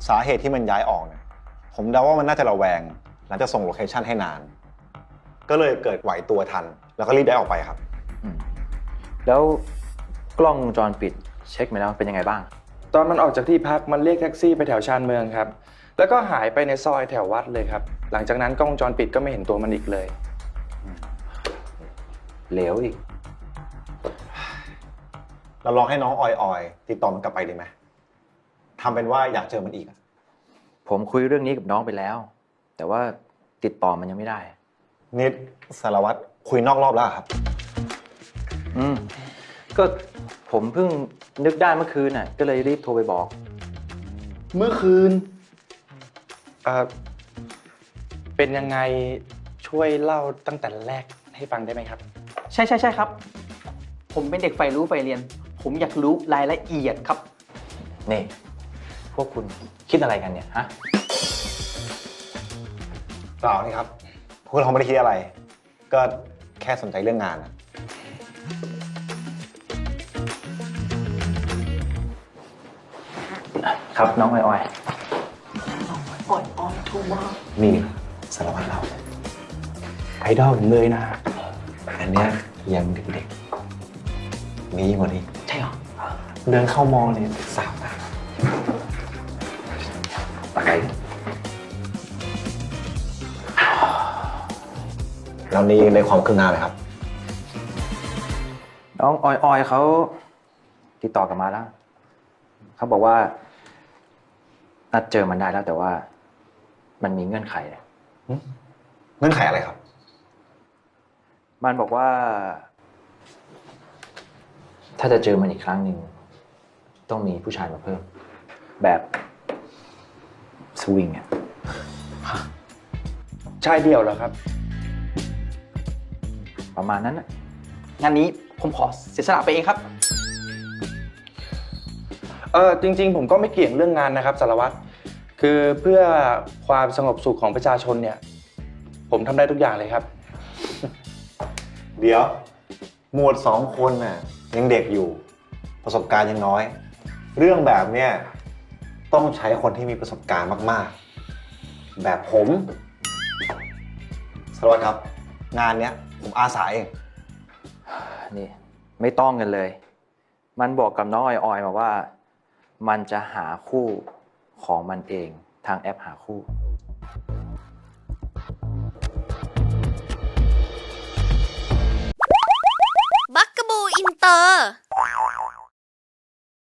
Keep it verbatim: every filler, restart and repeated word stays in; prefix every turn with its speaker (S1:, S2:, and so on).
S1: สาเหตุที่มันย้ายออกเนี่ยผมเดาว่ามันน่าจะระแวงหลังจากส่งโลเคชั่นให้นาน ก็เลยเกิดไหวตัวทัน แล้วก็รีบได้ออกไปครับ
S2: แล้วกล้องวงจรปิดเช็คมาแล้วเป็นยังไงบ้าง
S3: ตอนมันออกจากที่พักมันเรียกแท็กซี่ไปแถวชานเมืองครับแล้วก็หายไปในซอยแถววัดเลยครับหลังจากนั้นกล้องวงจรปิดก็ไม่เห็นตัวมันอีกเลย
S2: เหลวอีก
S1: เราลองให้น้องออยออยติดต่อมันกลับไปดีไหมทำเป็นว่าอยากเจอมันอีก
S2: ผมคุยเรื่องนี้กับน้องไปแล้ว แต่ว่าติดต่อมันยังไม่ได้
S1: นิดสารวัตรคุยนอกรอบแล้วครับ
S2: อืมก็ผมเพิ่งนึกได้เมื่อคืนน่ะก็เลยรีบโทรไปบอก
S3: เมื่อคืนเอ่อเป็นยังไงช่วยเล่าตั้งแต่แรกให้ฟังได้ไหมครับ
S4: ใช่ใช่ใช่ครับ ผมเป็นเด็กใฝ่รู้ใฝ่เรียน ผมอยากรู้รายละเอียดครับ
S2: นี่ พวกคุณคิดอะไรกันเนี่ยฮะ
S1: เปล่านี่ครับพวกเราไม่ได้คิดอะไร ก็แค่สนใจเรื่องงานนะ
S2: ครับน้องออยออย
S4: อ่อยอ่อยถูกมาก
S1: นี่สารวัตรเรา
S3: ไอดอลผมเลยนะ
S1: อันเนี้ยยังเด็กๆมีกว่านี้
S4: ใช่เหรอ
S1: เดินเข้ามองเนี่ยสาวนะตายแล้วนี่ในความคืบหน้าไหมครับ
S2: น้องออยออยเขาติดต่อกลับมาแล้ว เขาบอกว่านัดเจอมันได้แล้วแต่ว่ามันมีเงื่อนไขเนี่ย
S1: เงื่อนไขอะไรครับ
S2: มันบอกว่า ถ้าจะเจอมันอีกครั้งหนึ่งต้องมีผู้ชายมาเพิ่ม แบบสวิงอ่ะ
S3: ชายเดี่ยวเหรอครับ
S2: ประมาณนั้นน่ะ
S4: งานนี้ผมขอเสียสละไปเองครับ
S3: เออจริงๆผมก็ไม่เกี่ยงเรื่องงานนะครับสารวัตรคือเพื่อความสงบสุขของประชาชนเนี่ยผมทำได้ทุกอย่างเลยครับ
S1: เดี๋ยว หมวดสองคนน่ะยังเด็กอยู่ ประสบการณ์ยังน้อย เรื่องแบบเนี้ยต้องใช้คนที่มีประสบการณ์มากๆ แบบผมสารวัตรครับ งานเนี้ยผมอาสาเอง
S2: นี่ไม่ต้องกันเลย มันบอกกับน้องออยออยมาว่า มันจะหาคู่ของมันเองทางแอปหาคู่
S5: บักกะบูอินเตอร์